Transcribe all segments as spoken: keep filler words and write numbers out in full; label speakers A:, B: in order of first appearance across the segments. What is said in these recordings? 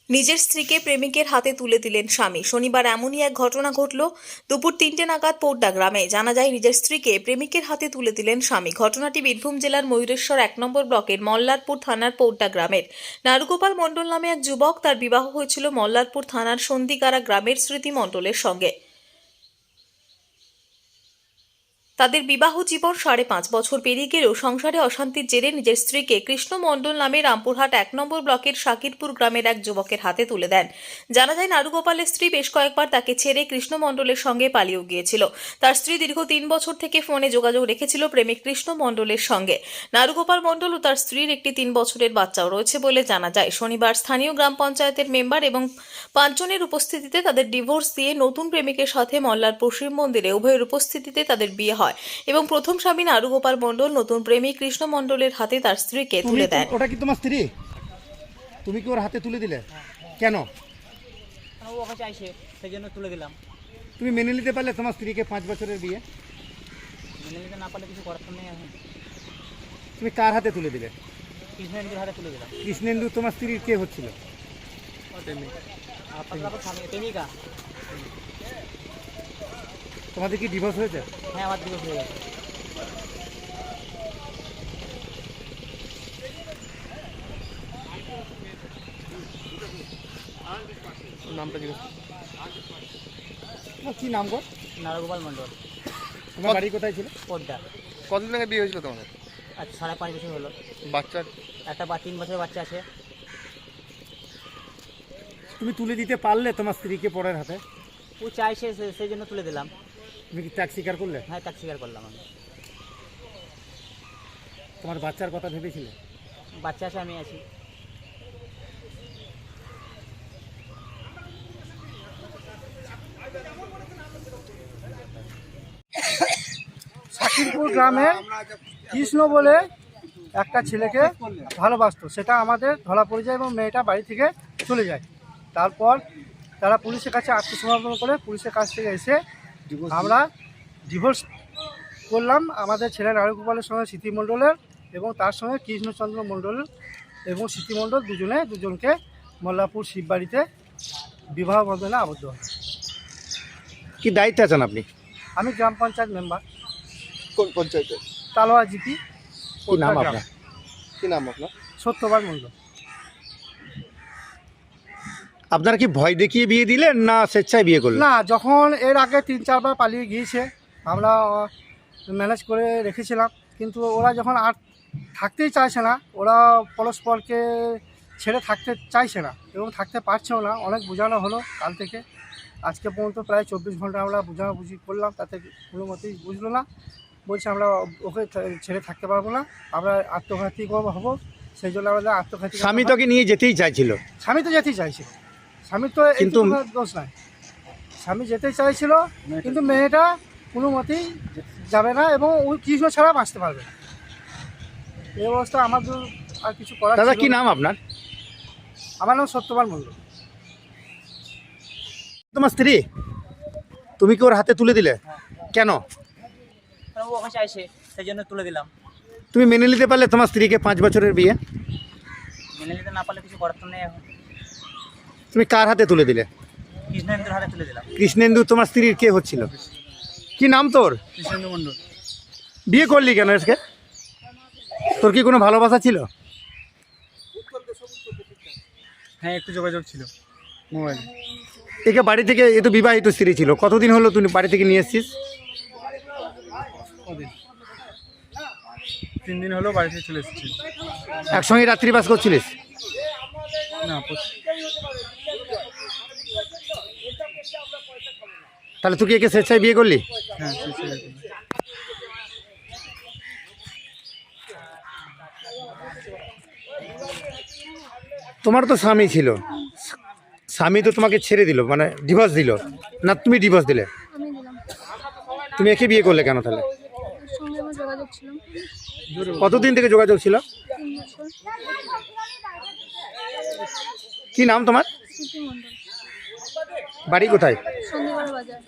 A: নিজের স্ত্রীকে প্রেমিকের হাতে তুলে দিলেন স্বামী। শনিবার এমনই এক ঘটনা ঘটল দুপুর তিনটে নাগাদ পোড্ডা গ্রামে। জানা যায়, নিজের স্ত্রীকে প্রেমিকের হাতে তুলে দিলেন স্বামী। ঘটনাটি বীরভূম জেলার ময়ূরেশ্বর এক নম্বর ব্লকের মল্লারপুর থানার পোড্ডা গ্রামের। নারুগোপাল মণ্ডল নামে এক যুবক, তার বিবাহ হয়েছিল মল্লারপুর থানার সন্ধিকারা গ্রামের স্মৃতি মণ্ডলের সঙ্গে। তাদের বিবাহ জীবন সাড়ে পাঁচ বছর পেরিয়ে গেলেও সংসারে অশান্তির জেরে নিজের স্ত্রীকে কৃষ্ণ মণ্ডল নামে রামপুরহাট এক নম্বর ব্লকের শাকিরপুর গ্রামের এক যুবকের হাতে তুলে দেন। জানা যায়, নারুগোপালের স্ত্রী বেশ কয়েকবার তাকে ছেড়ে কৃষ্ণ মণ্ডলের সঙ্গে পালিয়েও গিয়েছিল। তার স্ত্রী দীর্ঘ তিন বছর থেকে ফোনে যোগাযোগ রেখেছিল প্রেমিক কৃষ্ণ মণ্ডলের সঙ্গে। নারুগোপাল মণ্ডল ও তার স্ত্রীর একটি তিন বছরের বাচ্চাও রয়েছে বলে জানা যায়। শনিবার স্থানীয় গ্রাম পঞ্চায়েতের মেম্বার এবং পাঁচজনের উপস্থিতিতে তাদের ডিভোর্স দিয়ে নতুন প্রেমিকের সাথে মল্লারপুর শিব মন্দিরে উভয়ের উপস্থিতিতে তাদের বিয়ে হয় এবং প্রথম স্বামী নারুগোপাল মণ্ডল নতুন প্রেমিক কৃষ্ণ মণ্ডলের হাতে তার স্ত্রীকে তুলে দেন।
B: ওটা কি তোমার স্ত্রী? তুমি কি ওর হাতে তুলে দিলে? কেন?
C: ও ওকে চাইছে, সেই জন্য তুলে দিলাম।
B: তুমি মেনে নিতে পারলে তোমার স্ত্রীকে পাঁচ বছরের বিয়ে?
C: মেনে নিতে না পারলে কিছু করার তো নেই। এখন
B: তুমি কার হাতে তুলে দিলে?
C: কৃষ্ণেন্দুর হাতে তুলে দিলাম।
B: কৃষ্ণেন্দু তোমার স্ত্রীর কে হচ্ছিল?
C: আপনার স্বামী প্রেমিকা।
B: তোমাদের কি ডিভোর্স হয়েছে?
C: হ্যাঁ, আমার দিবস হয়ে গেছে।
B: নামটা জিজ্ঞেস কি নাম গো?
C: নারগোপাল মণ্ডল।
B: তোমার বাড়ি কোথায় ছিল?
C: পোড্ডা।
D: কতদিন আগে বিয়ে হয়েছিল তোমাদের?
C: আজ সাড়ে পাঁচ বছর হলো।
D: বাচ্চা?
C: একটা বা তিন বছরের বাচ্চা আছে।
B: তুমি তুলে দিতে পারলে তোমার স্ত্রীকে পরের হাতে?
C: ও চাইছে, সে- সেই জন্য তুলে দিলাম।
B: তুমি কি ত্যাগ স্বীকার করলে?
C: হ্যাঁ, তাকে স্বীকার করলাম আমি।
B: তোমার বাচ্চার কথা ভেবেছিলে?
C: বাচ্চা আছে, আমি আছি।
E: শাকিরপুর গ্রামে কৃষ্ণ বলে একটা ছেলেকে ভালোবাসতো, সেটা আমাদের ধরা পড়ে যায় এবং মেয়েটা বাড়ি থেকে চলে যায়। তারপর তারা পুলিশের কাছে আত্মসমর্পণ করে পুলিশের কাছ থেকে এসে আমরা ডিভোর্স করলাম। আমাদের ছেলে নারুগোপালের সঙ্গে স্মৃতি মণ্ডলের এবং তার সঙ্গে কৃষ্ণচন্দ্র মণ্ডল এবং স্মৃতি মণ্ডল দুজনে দুজনকে মল্লারপুর শিববাড়িতে বিবাহ বন্ধনে আবদ্ধ হয়।
B: কি দায়িত্বে আছেন আপনি?
E: আমি গ্রাম পঞ্চায়েত মেম্বার,
D: কোন পঞ্চায়েতে?
E: তালোয়া জিপি।
B: কি নাম আপনার?
D: কি নাম আপনার?
E: সত্যবান মণ্ডল।
B: আপনারা কি ভয় দেখিয়ে বিয়ে দিলেন না স্বেচ্ছায় বিয়ে করলেন?
E: না, যখন এর আগে তিন চারবার পালিয়ে গিয়েছে, আমরা ম্যানেজ করে রেখেছিলাম, কিন্তু ওরা যখন আর থাকতেই চাইছে না, ওরা পরস্পরকে ছেড়ে থাকতে চাইছে না এবং থাকতে পারছেও না। অনেক বোঝানো হলো কাল থেকে আজকে পর্যন্ত, প্রায় চব্বিশ ঘন্টা আমরা বোঝাবুঝি করলাম, তাতে কোনো মতেই বুঝলো না। বলছে আমরা ওকে ছেড়ে থাকতে পারবো না, আমরা আত্মঘাতী হবো, সেই জন্য আমাদের আত্মঘাতী।
B: স্বামী তোকে নিয়ে যেতেই চাইছিল?
E: স্বামী তো যেতেই চাইছিল, স্বামীর তো
B: কিন্তু
E: কিন্তু দোষ নাই, স্বামী যেতে চাইছিল, কিন্তু মেয়েটা কোনো মতেই যাবে না এবং ওই কৃষ্ণ ছাড়া বাঁচতে পারবে না। এই অবস্থা আমাদের আর কিছু করার
B: দাদা
E: ছিল
B: কি
E: না।
B: নাম আপনার?
E: আমার নাম সত্যবান মণ্ডল।
B: তোমার স্ত্রী? তুমি কি ওর হাতে তুলে দিলে? কেন?
C: ও ওকে চাইছে, সেই জন্য তুলে দিলাম।
B: তুমি মেনে নিতে পারলে তোমার স্ত্রীকে পাঁচ বছরের বিয়ে?
C: মেনে নিতে না পারলে কিছু করার তো নেই। এখন
B: তুমি কার হাতে তুলে দিলে?
C: কৃষ্ণেন্দুর হাতে তুলে দিলাম।
B: কৃষ্ণেন্দু তোমার স্ত্রীর কে হচ্ছিল? কি নাম তোর?
C: কৃষ্ণেন্দু মণ্ডল।
B: বিয়ে করলি কেন আজকে? তোর কি কোনো ভালোবাসা ছিল?
E: হ্যাঁ, একটু যোগাযোগ ছিল মোবাইলে।
B: একে বাড়ি থেকে, এ তো বিবাহিত স্ত্রী ছিল, কতদিন হলো তুই বাড়ি থেকে নিয়ে এসছিস?
E: তিন দিন হলো বাড়ি থেকে চলে এসেছি।
B: একসঙ্গে রাত্রিবাস করছিলিস?
E: না,
B: তাহলে তুই কি একে স্বেচ্ছায় বিয়ে করলি?
E: হ্যাঁ,
B: তোমার তো স্বামী ছিল, স্বামী তো তোমাকে ছেড়ে দিল, মানে ডিভোর্স দিল না? তুমি ডিভোর্স দিলে?
F: আমি দিলাম।
B: তুমি একে বিয়ে করলে কেন তাহলে?
F: ওর সঙ্গে আমার যোগাযোগ ছিল
B: কতদিন থেকে যোগাযোগ ছিল?
F: তিন বছর।
B: কি নাম তোমার?
F: স্মৃতি মণ্ডল,
B: বাড়ি কোথায়?
F: সন্ধিগড় বাজার।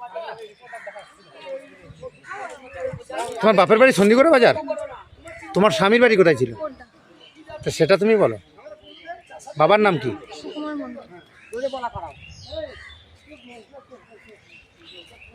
B: তোমার বাপের বাড়ি সন্ধিগড় বাজার? তোমার স্বামীর বাড়ি কোথায় ছিল?
F: পোড্ডা।
B: তো সেটা তুমি বলো। বাবার নাম কি?
F: সুকুমার মণ্ডল। মণ্ডল।